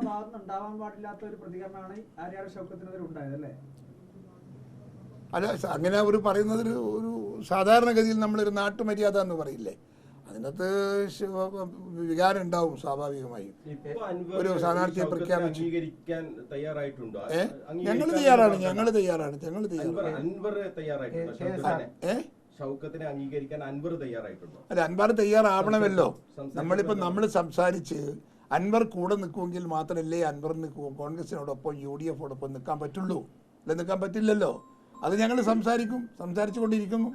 ഭാഗത്ത് ഉണ്ടാവാൻ പാടില്ലാത്ത ഒരു പ്രതികരണമാണ് ആര്യാട് ഷൗക്കത്തിനെതിരെ ഉണ്ടായത് അല്ലേ? അല്ല, അങ്ങനെ ഒരു പറയുന്നത് ഒരു സാധാരണഗതിയിൽ നമ്മളൊരു നാട്ടുമര്യാദ എന്ന് പറയില്ലേ, അതിനകത്ത് വികാരം ഉണ്ടാവും സ്വാഭാവികമായും. ഒരു സ്ഥാനാർത്ഥിയെ പ്രഖ്യാപിച്ചു ഞങ്ങൾ തയ്യാറാണ്. അല്ല, അൻവർ തയ്യാറാവണമല്ലോ. നമ്മൾ സംസാരിച്ച് അൻവർ കൂടെ നിൽക്കുമെങ്കിൽ മാത്രമല്ലേ അൻവറിന് കോൺഗ്രസിനോടൊപ്പം UDF-ഓടൊപ്പം നിൽക്കാൻ പറ്റുള്ളൂ. അല്ല, നിൽക്കാൻ പറ്റില്ലല്ലോ. അത് ഞങ്ങൾ സംസാരിച്ചു കൊണ്ടിരിക്കുന്നു.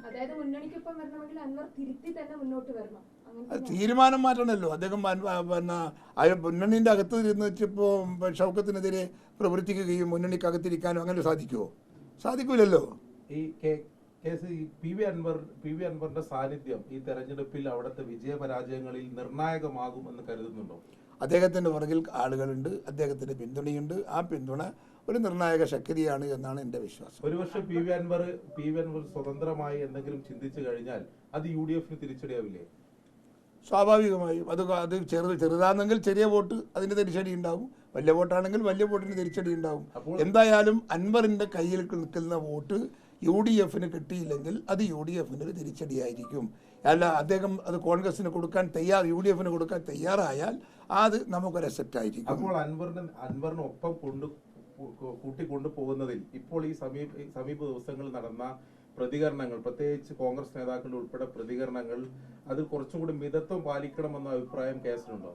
തീരുമാനം മാറ്റണമല്ലോ. അദ്ദേഹം മുന്നണിന്റെ അകത്ത് ഇരുന്ന് വെച്ചപ്പോൾ ഷൗക്കത്തിനെതിരെ പ്രവർത്തിക്കുകയും മുന്നണിക്കകത്തിരിക്കാനും അങ്ങനെ സാധിക്കുമോ? സാധിക്കൂലല്ലോ. ഈ കേസ് പി വി അൻവറിന്റെ സാന്നിധ്യം ഈ തെരഞ്ഞെടുപ്പിൽ അവിടുത്തെ വിജയപരാജയങ്ങളിൽ നിർണായകമാകുമെന്ന് കരുതുന്നുണ്ടോ? അദ്ദേഹത്തിന്റെ പുറകിൽ ആളുകളുണ്ട്, അദ്ദേഹത്തിന്റെ പിന്തുണയുണ്ട്. ആ പിന്തുണ ഒരു നിർണായക ശക്തിയാണ് എന്നാണ് എൻ്റെ വിശ്വാസം. ഒരുപക്ഷെ പി വി അൻവർ സ്വതന്ത്രമായി എന്തെങ്കിലും ചിന്തിച്ചു കഴിഞ്ഞാൽ അത് UDF-ന് തിരിച്ചടിയാവില്ലേ? സ്വാഭാവികമായും അത് ചെറുതാണെങ്കിൽ ചെറിയ വോട്ട് അതിന് തിരിച്ചടി ഉണ്ടാവും, വലിയ വോട്ടാണെങ്കിൽ വലിയ വോട്ടിന് തിരിച്ചടി ഉണ്ടാവും. എന്തായാലും അൻവറിന്റെ കയ്യിൽ നിൽക്കുന്ന വോട്ട് UDF-ന് കിട്ടിയില്ലെങ്കിൽ അത് UDF-ന് ഒരു തിരിച്ചടിയായിരിക്കും. അല്ല, അദ്ദേഹം അത് കോൺഗ്രസിന് കൊടുക്കാൻ UDF-ന് കൊടുക്കാൻ തയ്യാറായാൽ അത് നമുക്കൊരു അസെറ്റ് ആയിരിക്കും. അപ്പോൾ അൻവറിനൊപ്പം കൂട്ടിക്കൊണ്ടുപോകുന്നതിൽ ഇപ്പോൾ ഈ സമീപ ദിവസങ്ങളിൽ നടന്ന പ്രതികരണങ്ങൾ, പ്രത്യേകിച്ച് കോൺഗ്രസ് നേതാക്കളുടെ ഉൾപ്പെടെ പ്രതികരണങ്ങൾ, അത് കുറച്ചുകൂടി മിതത്വം പാലിക്കണമെന്ന അഭിപ്രായം കേസിലുണ്ടോ?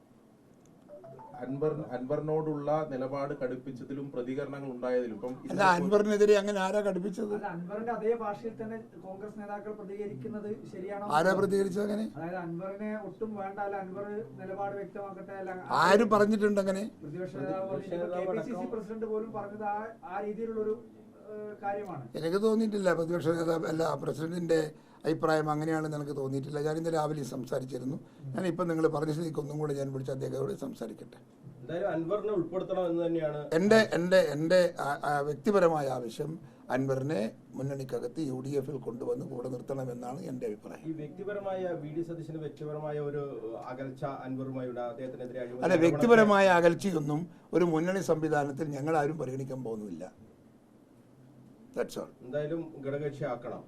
അൻവറിനോടുള്ള നിലപാട് കടുപ്പിച്ചതിലും പ്രതികരണങ്ങൾ ഉണ്ടായതിലും അൻവറിനെതിരെ അങ്ങനെ ആരാ കടുപ്പിച്ചത്? അൻവറിന്റെ അതേ ഭാഷയിൽ തന്നെ കോൺഗ്രസ് നേതാക്കൾ പ്രതികരിക്കുന്നത് ശരിയാണോ? ആരാ പ്രതികരിച്ചത് അങ്ങനെ? അതായത് അൻവറിനെ ഒട്ടും വേണ്ട, അല്ല അൻവർ നിലപാട് വ്യക്തമാക്കട്ടെ, അല്ല ആര് പറഞ്ഞിട്ടുണ്ട് അങ്ങനെ? പ്രതിപക്ഷ നേതാവ് KPCC പ്രസിഡന്റ് പോലും പറഞ്ഞത് ആ രീതിയിലുള്ളൊരു കാര്യമാണ്. എനിക്ക് തോന്നിയിട്ടില്ല പ്രതിപക്ഷ നേതാവ് അല്ല പ്രസിഡന്റിന്റെ അഭിപ്രായം അങ്ങനെയാണെന്ന് എനിക്ക് തോന്നിയിട്ടില്ല. ഞാൻ ഇന്ന് രാവിലെ സംസാരിച്ചിരുന്നു. ഞാനിപ്പോൾ നിങ്ങൾ പറഞ്ഞ സ്ഥിതിക്ക് ഒന്നും കൂടെ ഞാൻ വിളിച്ച് അദ്ദേഹത്തോട് സംസാരിക്കട്ടെ. എൻ്റെ വ്യക്തിപരമായ ആവശ്യം അൻവറിനെ മുന്നണിക്കകത്ത് UDF-ൽ കൊണ്ടുവന്ന് കൂടെ നിർത്തണമെന്നാണ് എൻ്റെ അഭിപ്രായം. ഈ വ്യക്തിപരമായ VD സതീശന് വ്യക്തിപരമായ ഒരു അകൽച്ച അൻവറുമായുള്ള അദ്ദേഹത്തിനെതിരെ അല്ല, വ്യക്തിപരമായ അകൽച്ചയൊന്നും ഒരു മുന്നണി സംവിധാനത്തിൽ ഞങ്ങൾ ആരും പരിഗണിക്കാൻ പോകുന്നില്ല. എന്തായാലും ഘടകകക്ഷിയാക്കണം.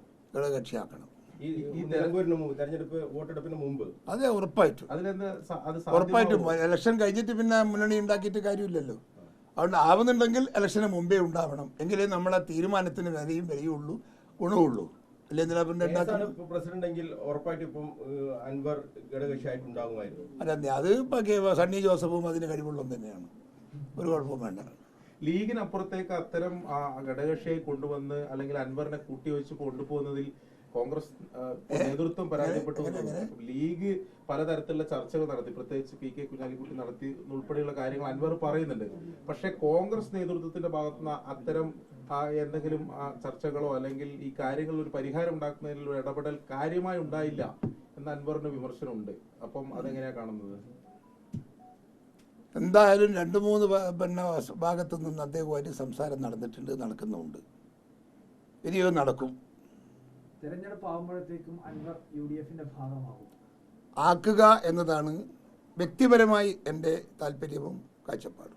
തെരഞ്ഞെടുപ്പ് വോട്ടെടുപ്പിന് മുമ്പ് അതെ, ഉറപ്പായിട്ടും. ഇലക്ഷൻ കഴിഞ്ഞിട്ട് പിന്നെ മുന്നണി ഉണ്ടാക്കിയിട്ട് കാര്യമില്ലല്ലോ. അതുകൊണ്ട് ആവുന്നുണ്ടെങ്കിൽ ഇലക്ഷന് മുമ്പേ ഉണ്ടാവണം, എങ്കിലേ നമ്മളെ തീരുമാനത്തിന് വിലയുള്ളൂ, ഗുണമുള്ളൂ. പ്രസിഡന്റെങ്കിൽ ഉറപ്പായിട്ടും ഇപ്പം അൻവർ ഘടകകക്ഷിയായിട്ടുണ്ടാകുമായിരുന്നു. അല്ല, അത് ഇപ്പൊ സണ്ണി ജോസഫും അതിന് കഴിവുള്ളതും തന്നെയാണ്, ഒരു കുഴപ്പവും വേണ്ട. ലീഗിനപ്പുറത്തേക്ക് അത്തരം ഘടകകക്ഷിയെ കൊണ്ടുവന്ന് അല്ലെങ്കിൽ അൻവറിനെ കൂട്ടിവെച്ച് കൊണ്ടുപോകുന്നതിൽ കോൺഗ്രസ് നേതൃത്വം പരാജയപ്പെട്ടു. ലീഗ് പലതരത്തിലുള്ള ചർച്ചകൾ നടത്തി, പ്രത്യേകിച്ച് PK കുഞ്ഞാലിക്കുട്ടി നടത്തി ഉൾപ്പെടെയുള്ള കാര്യങ്ങൾ അൻവർ പറയുന്നുണ്ട്. പക്ഷെ കോൺഗ്രസ് നേതൃത്വത്തിന്റെ ഭാഗത്തുനിന്ന് അത്തരം എന്തെങ്കിലും ചർച്ചകളോ അല്ലെങ്കിൽ ഈ കാര്യങ്ങളിൽ ഒരു പരിഹാരം ഉണ്ടാക്കുന്നതിനുള്ള ഇടപെടൽ കാര്യമായി ഉണ്ടായില്ല എന്ന അൻവറിന്റെ വിമർശനമുണ്ട്. അപ്പം അതെങ്ങനെയാ കാണുന്നത്? എന്തായാലും 2-3 ഭാഗത്തു നിന്ന് അദ്ദേഹവുമായിട്ട് സംസാരം നടക്കുന്നുണ്ട്. ഇനിയും നടക്കും. തെരഞ്ഞെടുപ്പ് ആകുമ്പോഴത്തേക്കും അൻവർ UDF-ന്റെ ഭാഗമാകും. ആക്കുക എന്നതാണ് വ്യക്തിപരമായി എൻ്റെ താല്പര്യവും കാഴ്ചപ്പാടും.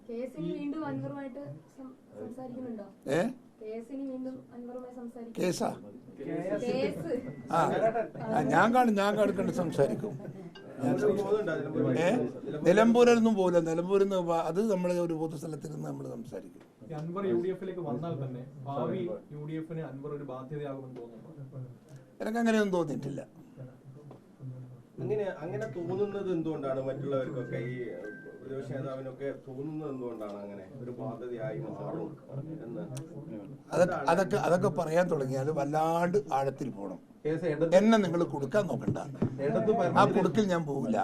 കേസാ? ഞാൻ കണ്ട് സംസാരിക്കും. നിലമ്പൂരൊന്നും പോകില്ല. നിലമ്പൂരിൽ നിന്ന് അത് നമ്മളെ ഒരു പൊതുസ്ഥലത്തിരുന്ന് നമ്മൾ സംസാരിക്കും. അൻവർ UDF-ലേക്ക് വന്നാൽ തന്നെ ഭാവി UDF-ന് അൻവർ ഒരു ബാധ്യതയാകുമെന്ന് തോന്നുന്നു. എനിക്ക് അങ്ങനെയൊന്നും തോന്നിയിട്ടില്ല. അങ്ങനെ തോന്നുന്നത് എന്തുകൊണ്ടാണ്? മറ്റുള്ളവർക്കൊക്കെ ഈ പ്രതിപക്ഷ നേതാവിനൊക്കെ തോന്നുന്നത് എന്തുകൊണ്ടാണ് അങ്ങനെ ഒരു ബാധ്യതയായി മാറും എന്ന്? അതൊക്കെ പറയാൻ തുടങ്ങിയാൽ വല്ലാണ്ട് ആഴത്തിൽ പോകണം. എന്നെ നിങ്ങൾ കൊടുക്കാൻ നോക്കണ്ട. ആ കുടുക്കിൽ ഞാൻ പോകില്ല.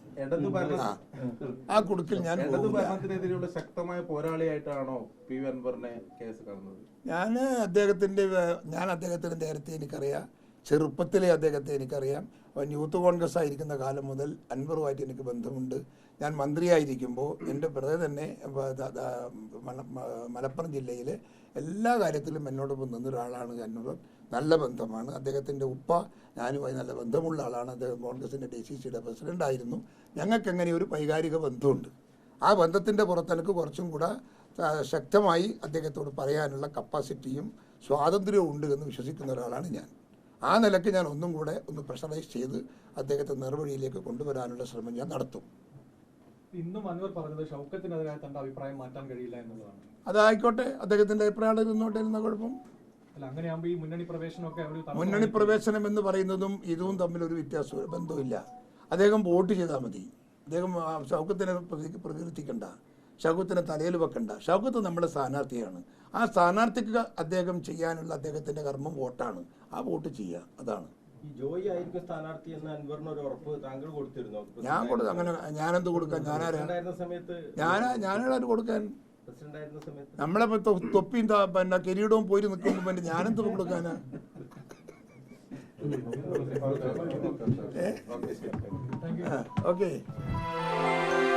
ആ കുടുക്കിൽ ഞാൻ ഭരണത്തിനെതിരെയുള്ള ശക്തമായ പോരാളിയായിട്ടാണോ പി വി അൻവറിനെ കേസ് കാണുന്നത്? ഞാൻ അദ്ദേഹത്തിന് നേരത്തെ എനിക്കറിയാം, ചെറുപ്പത്തിലെ അദ്ദേഹത്തെ എനിക്കറിയാം. അവൻ യൂത്ത് കോൺഗ്രസ് ആയിരിക്കുന്ന കാലം മുതൽ അൻവറുമായിട്ട് എനിക്ക് ബന്ധമുണ്ട്. ഞാൻ മന്ത്രിയായിരിക്കുമ്പോൾ എൻ്റെ ബ്രദർ തന്നെ മലപ്പുറം ജില്ലയിലെ എല്ലാ കാര്യത്തിലും എന്നോടൊപ്പം നിന്നൊരാളാണ് അൻവർ. നല്ല ബന്ധമാണ്. അദ്ദേഹത്തിൻ്റെ ഉപ്പ ഞാനുമായി നല്ല ബന്ധമുള്ള ആളാണ്. അദ്ദേഹം കോൺഗ്രസിൻ്റെ DCCയുടെ പ്രസിഡൻ്റായിരുന്നു. ഞങ്ങൾക്കെങ്ങനെ ഒരു വൈകാരിക ബന്ധമുണ്ട്. ആ ബന്ധത്തിൻ്റെ പുറത്ത് എനിക്ക് കുറച്ചും കൂടെ ശക്തമായി അദ്ദേഹത്തോട് പറയാനുള്ള കപ്പാസിറ്റിയും സ്വാതന്ത്ര്യവും ഉണ്ട് എന്ന് വിശ്വസിക്കുന്ന ഒരാളാണ് ഞാൻ. ആ നിലയ്ക്ക് ഞാൻ ഒന്നും കൂടെ ഒന്ന് പ്രഷറൈസ് ചെയ്ത് അദ്ദേഹത്തെ നേർവഴിയിലേക്ക് കൊണ്ടുവരാനുള്ള ശ്രമം ഞാൻ നടത്തും. ഇന്നും അൻവർ പറഞ്ഞത് ഷൗക്കത്തിനെതിരായ തന്റെ അഭിപ്രായം മാറ്റാൻ കഴിയില്ല എന്നുള്ളതാണ്. അതായിക്കോട്ടെ, അദ്ദേഹത്തിൻ്റെ അഭിപ്രായം ഇരുന്നോട്ടെ എന്ന കുഴപ്പം. അല്ല, അങ്ങനെയാകുമ്പോൾ ഈ മുന്നണി പ്രവേശനമൊക്കെ മുന്നണി പ്രവേശനം എന്ന് പറയുന്നതും ഇതും തമ്മിലൊരു വ്യത്യാസവും ബന്ധമില്ല. അദ്ദേഹം വോട്ട് ചെയ്താൽ മതി. അദ്ദേഹം ഷൗക്കത്തിനെ പ്രകീർത്തിക്കണ്ട, ഷൗക്കത്തിനെ തലയിൽ വെക്കണ്ട. ഷൗക്കത്ത് നമ്മുടെ സ്ഥാനാർത്ഥിയാണ്. ആ സ്ഥാനാർത്ഥിക്ക് അദ്ദേഹം ചെയ്യാനുള്ള അദ്ദേഹത്തിൻ്റെ കർമ്മം വോട്ടാണ്. ആ വോട്ട് ചെയ്യുക, അതാണ്. ഈ ജോയി ആയിരിക്കും സ്ഥാനാർത്ഥി എന്ന് അൻവറിന് ഒരു ഉറപ്പ് താങ്കൾ കൊടുത്തിരുന്നോ? ഞാൻ കൊടുത്തു. അങ്ങനെ ഞാനെന്ത് കൊടുക്കാൻ? പ്രസിഡന്റായിരുന്ന സമയത്ത് ഞാനാരും കൊടുക്കാൻ? പ്രസിഡന്റായിരുന്ന സമയത്ത് നമ്മളെ തൊപ്പിയും പിന്നെ കിരീടവും പോയി നിൽക്കുമ്പോൾ പിന്നെ ഞാനെന്ത് കൊടുക്കാനാ? ഓക്കെ. ഓക്കെ.